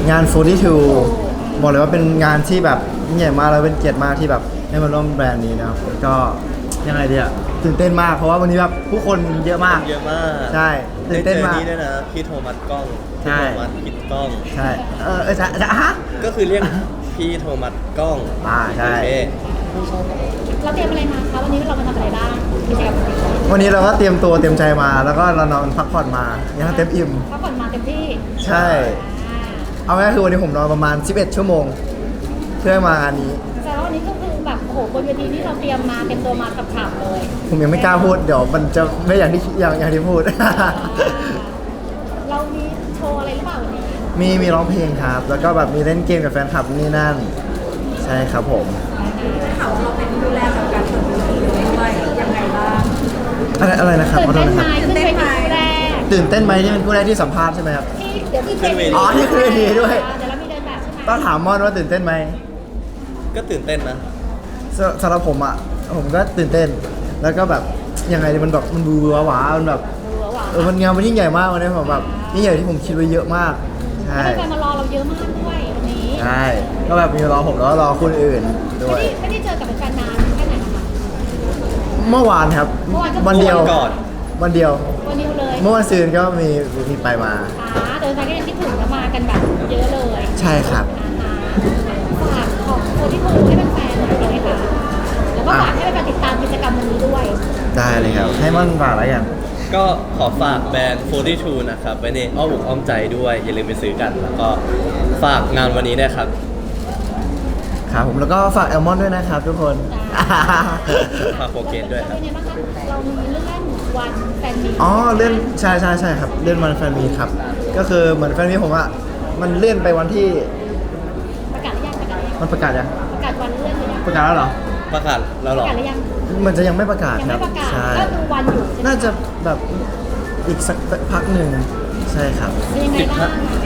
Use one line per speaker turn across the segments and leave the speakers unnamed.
งาน42บอกเลยว่าเป็นงานที่แบบยิ่งใหญ่มากแล้วเป็นเกียรติมากที่แบบได้มาร่วมแบรนด์นี้นะครับก็ยังไงดีอะตื่นเต้นมากเพราะว่าวันนี้แบบผู้คนเยอะมาก
เยอะมาก
ใช่ตื่นเต้นมาก
ได้เจอนี่ด้วยนะพี่โทมัสกล้อง
ใช่
พี่โทมัสปิดกล้อง
ใช่จะฮะ
ก็คือเรียกพี่โทมัสกล้อง
ใช่
เราเตรียมอะไรมาคะวันนี้เรามาทำอะไรบ้างกิจกรรม
วันนี้เราก็เตรียมตัวเตรียมใจมาแล้วก็เรานอนพักผ่อนมายังเต็มอิ่ม
พักผ่อนมาเต็มที่
ใช่เอาง่ายคือวันนี้ผมนอนประมาณ11ชั่วโมงเพื่อมางานนี้
แต่ว่าวันนี้ก็คือแบบโอ้โหบนเวทีนี่เราเตรียมมาเต็มตัวมากับข่าวเลย
ผมยังไม่กล้าพูดเดี๋ยวมันจะไม่อย่างที่พูด
เรามีโชว์อะไรหรือเปล่าวันนี้
มีร้องเพลงครับแล้วก็แบบมีเล่นเกมกับแฟนคลับนี่นั่นใช่ครับผม
ข่าวเราเป็นดูแลกับการเปิดตัวด้วยยังไงบ้าง
อะไรนะครับ
ตื่นเต้นไหมขึ้นเวทีแรก
ตื่นเต้นไหมที่เป็นผู้แรกที่สัมภาษณ์ใช่ไหมครับ
ที่เดี๋ยวขึ้นเวที
ที่ขึ้นเวทีด้วย
เดี๋ยวเรามีเดินแบบใช่ไหม
ต้องถามมอนว่าตื่นเต้นไหม
ก็ตื่นเต้นนะ
สำหรับผมผมก็ตื่นเต้นแล้วก็แบบยังไงมันแบบมันบูหวามันแบบมันงานมันยิ่งใหญ่มากวันนี้ผมแบบยิ่งใหญ่ที่ผมคิดไว้เยอะมากใช่
แฟนมารอเราเยอะมากด้วยวันนี้
ใช่ก็แบบมีรอผมแล้วรอคนอื่นด้วย
ไม่ได้เจอกับแฟนนานแค่ไหนนะคะ
เมื่อวานครับวันเดียววันเดียว
เลย
เมื่อวันซืนก็มีไปมา
เดินไปก็ยังคิดถึงแล้วมากันแบบเยอะเลย
ใช่ครับ
ฝากของคนที่โทรให้เป็นแฟนเลยดีไหมคะแล้วก็ฝากให้เป็นการติดตามกิจกรรมวันนี้ด้วย
ได้เลยครับให้มันฝากอะไรกัน
ก็ขอฝากแบรนด์42นะครับไว้ในอ้อมอกอ้อมใจด้วยอย่าลืมไปซื้อกันแล้วก็ฝากงานวันนี้ด้วยครับ
ครับผมแล้วก็ฝากแอลมอนด้วยนะครับทุกคน
ฝากโปรเกตด้วยครับ
เรามีเลื่อนวันแฟนมี
เลื่อนใช่ครับเลื่อนวันแฟนมีครับก็คือเหมือนแฟนมีผมมันเลื่อนไปวันที่
ประกาศหรือยัง
มันประกาศยัง
ประกาศวันเลื่อนหรือยัง
ประกาศแล้วเหรอ
ประกาศแล้วหรอ
ประกาศหรือยัง
มันจะยังไม่ประกาศครับ
ใช่ก็ดูวันอยู่
น่าจะแบบอีกสักพักหนึ่งใช่ครับ
ยังไงบ้าง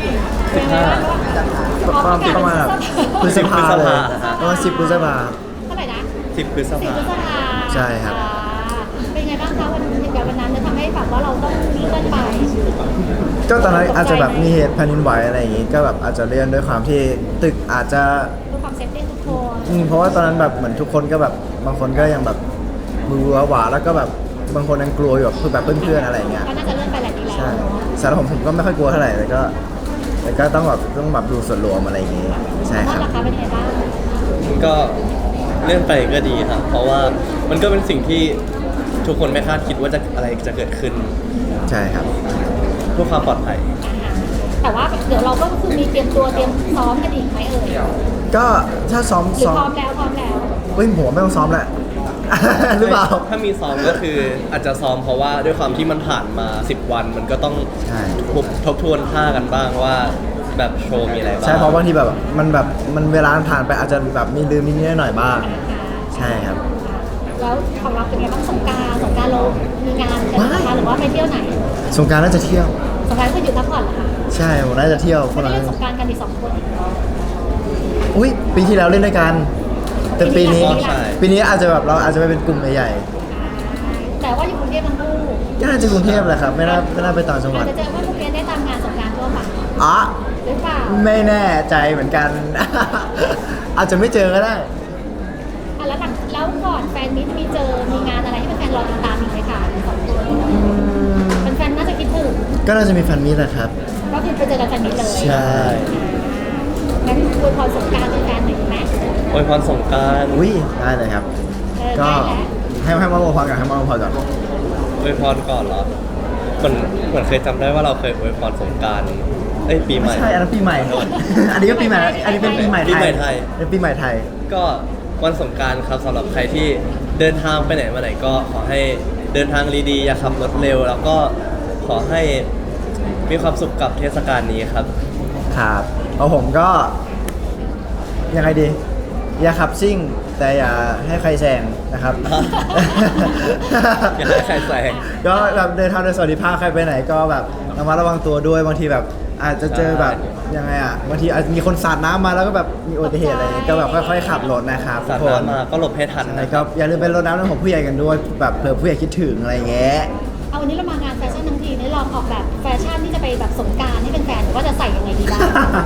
ประมาณพฤษภาเลยประมาณ10 พฤษภา
เท่าไหร่นะ
10 พฤษภา
ใช่ครับ
เป็นไงบ้างคะวันนั้นจะทำให้แบบว่าเราต้องเลื่อนไป
ก็ตอนนั้นอาจจะแบบมีเหตุแผ่นดินไหวอะไรอย่างงี้ก็แบบอาจจะเลื่อนด้วยความที่ตึกอาจจะ
เพื่อความเซฟตี้ทุกคน
เพราะว่าตอนนั้นแบบเหมือนทุกคนก็แบบบางคนก็ยังแบบมือหวาแล้วก็แบบบางคนยังกลัวอยู่คือแบบเพื่อนๆอะไรอย่างเงี้ย
ก็น่าจะเลื่อนไปหลายทีแล้ว
ใช่สำหรับผมก็ไม่ค่อยกลัวเท่าไหร่แต่ก็ต้องแบบดูส่วนรวมอะไรอย่างงี้ใช่ครับ
ราคาเป็นไงบ้าง
ก็เลื่อนไปก็ดีครับเพราะว่ามันก็เป็นสิ่งที่ทุกคนไม่คาดคิดว่าอะไรจะเกิดขึ้น
ใช่ครับ
เพื่อความปลอดภัย
แต่ว่าเดี๋ยวเราก็คือมีเตรียมตัวเตรียมซ้อมกันอีกไหม
ก็ถ้าซ้อม
พร้อมแล้ว
ผมไม่ต้องซ้อมแหละหรือเปล่า
ถ้ามีซ้อมก็คืออาจจะซ้อมเพราะว่าด้วยความที่มันผ่านมา10 วันมันก็ต้องทบทวนท่ากันบ้างว่าแบบโชว์มีอะไรบ้าง
ใช่เพราะบางทีแบบมันเวลาผ่านไปอาจจะแบบมีลืมนิดหน่อยบ้างใช่ครับ
แล้วของเราเป็นไงบ้างสงกรานต์เรามีงานกันนะคะหรือว่าไปเที่ยวไหน
สงกรานต์น่าจะเที่ยว
สงกรานต์ก็อยู่พักผ่อนเหรอคะ
ใช่ผมน่าจะเที่ยว
คนละเล่นสงกรานต์กันอีก2 คน
อุ้ยปีที่แล้วเล่นด้วยกันแต่ปีนี้อาจจะแบบเราอาจจะไปเป็นกลุ่มใหญ่
ๆแต่ว่าอยู่กรุงเทพทั้งคู่
ก็น่าจะกรุงเทพแหละครับไม่น่าไปต่างจังหวัด
จะเจอว่าพวกเรียนได้ตามงานสงกรานต์ทั่วไปหรือเปล่า
ไม่แน่ใจเหมือนกัน อาจจะไม่เจอก็ได้
แล้วก่อนแฟนมิตมีงานอะไรที่เป็นแฟนรอติดตามอีกไหมคะ2 คนเป็นแฟนน่าจะคิดถึง
ก็น่าจะมีแฟนมิตรแหละครับ
ก็คือไปเจอกันแฟนมิตรเลย
ใช่
งั้นอวยพรสงกรานต์เป็นแฟนหนึ่งไหม
อวยพรสงกรานต์
ได้เลยครับก็ให้มาอวยพรก่อนให้มาอวยพรก่อน
อวยพรก่อนเหรอเหมือนเคยจำได้ว่าเราเคยอวยพรสงกรานต์ปีใหม่
ใช่อันนั้นปีใหม่อันนี้ก็ปีใหม่อันนี้เป็นปีใหม่ไทยเป็นปีใหม่ไทย
ก็วันสงกรานต์ครับสำหรับใครที่เดินทางไปไหนมาไหนก็ขอให้เดินทางดีๆอย่าขับรถเร็วแล้วก็ขอให้มีความสุขกับเทศกาลนี้ครับ
ครับเอาผมก็ยังไงดีอย่าขับซิ่งแต่อย่าให้ใครแซงนะครับ
อย่าให้ใครแซง
ก็แบบเดินทางโดยสวัสดิภาพใครไปไหนก็แบบระมัดระวังตัวด้วยบางทีแบบอาจจะเจอแบบยังไงบางทีอาจจะมีคนสาดน้ำมาแล้วก็แบบมีอุบัติเหตุอะไรก็แบบค่อยๆขับรถนะครับ
สาดน้ำมาก็หลบให้ทัน
นะครับอย่าลืมไปรดน้ำน้ำของผู้ใหญ่กันด้วยแบบเผื่อผู้ใหญ่คิดถึงอะไรเงี้ย
เอเอาวันนี้เรามางานแฟชั่นทั้งทีนี่ลองออกแบบแฟชั่นที่จะไปแบบสงกรานต์ให้เป็นแฟนๆว่าจะใส่ยังไงดีบ้าง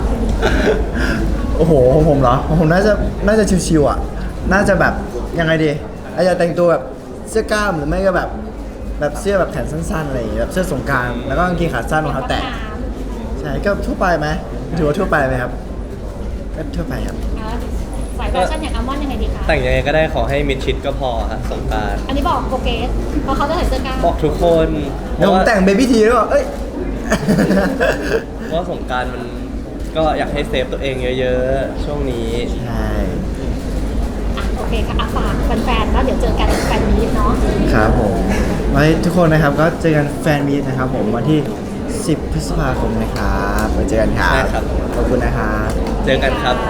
โอ้โหของผมเหรอของผมน่าจะชิวๆอ่ะน่าจะแบบยังไงดีอาจจะแต่งตัวแบบเสื้อกล้ามหรือไม่ก็แบบเสื้อแบบแขนสั้นๆอะไรอย่างเงี้ยแบบเสื้อสงกรานต์แล้วก็กางเกงขาสั้นรองเท้าแตะใช่ก็ทั่วไปไหมถือว่าทั่วไปไหมครับก็ทั่วไปครับ
สายแฟชั่นอย่างอัลมอนด์ยังไงดีคะ
แต่งยังไงก็ได้ขอให้มิดชิดก็พอครับสงกรานต์
อันนี้บอกโปรเกสเพราะเขาจะใส่เสื้อกล้าม
บอกทุกคนเพ
เดี๋ยว
ราะ
ผม
ว่า
แต่งเบบี้ทีด้วยว่าเอ้ย
เพราะว่าสงกรารมันก็อยากให้เซฟตัวเองเยอะๆ ช่วงนี้
ใช่
อ่ะโอเคค่ะฝากแฟนๆแล้วเดี๋ยวเจอกันแฟนมีตเนาะ
ครับผมไว้ทุกคนนะครับก็เจอกันแฟนมีตนะครับผมวันที่ 10 พฤษภาคมนะครับไว้เจอกันครับ
ใช่ครับ
ขอบคุณนะครับ
เจอกันครับ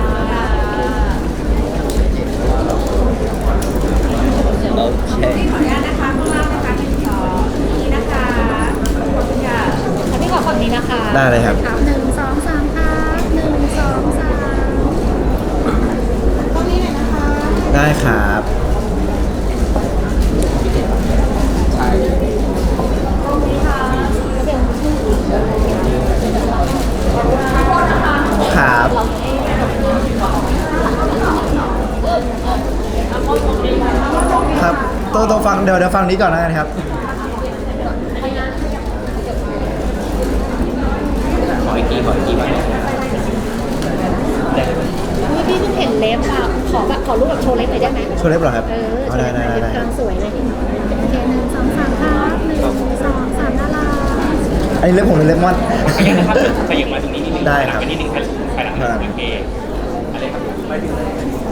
โอเค
ที่ขออนุญาตนะคะข้างล่างนะคะเป็นสองนี้นะคะขอบคุณค่ะ
แล้วพี่ขอฝั่งนี้นะคะ
ได้เลยครับ
1 2 3ครับ1 2 3ตรงนี้หน่อยนะคะ
ได้ครับ
ตรงนี้ค่ะเดี๋ยว
ครับ
เราให้
ครับตัวฟังเดี๋ยวฟังนี้ก่อนนะครับ
ขออีกทีก่อน
พี่เพิ่งเห็นเล็บอ่ะขอรูปแบบโชว์เล็บหน่อยได้ไหม
โชว์เล็บเหรอครับ
โชว์
ได้
เล็บหน่อยเล็บกำลังสวยเลยโอเค1 2 3ครับ1 2 3น่ารัก
อันนี้เล็บผมเป็นเล็บมอน
ขยับนะครับขยับมาตรงนี้นิดนึง
ได้ครับ
ไปนิดนึงครับไปหลัง
ครับ
โอเคอะไรครับ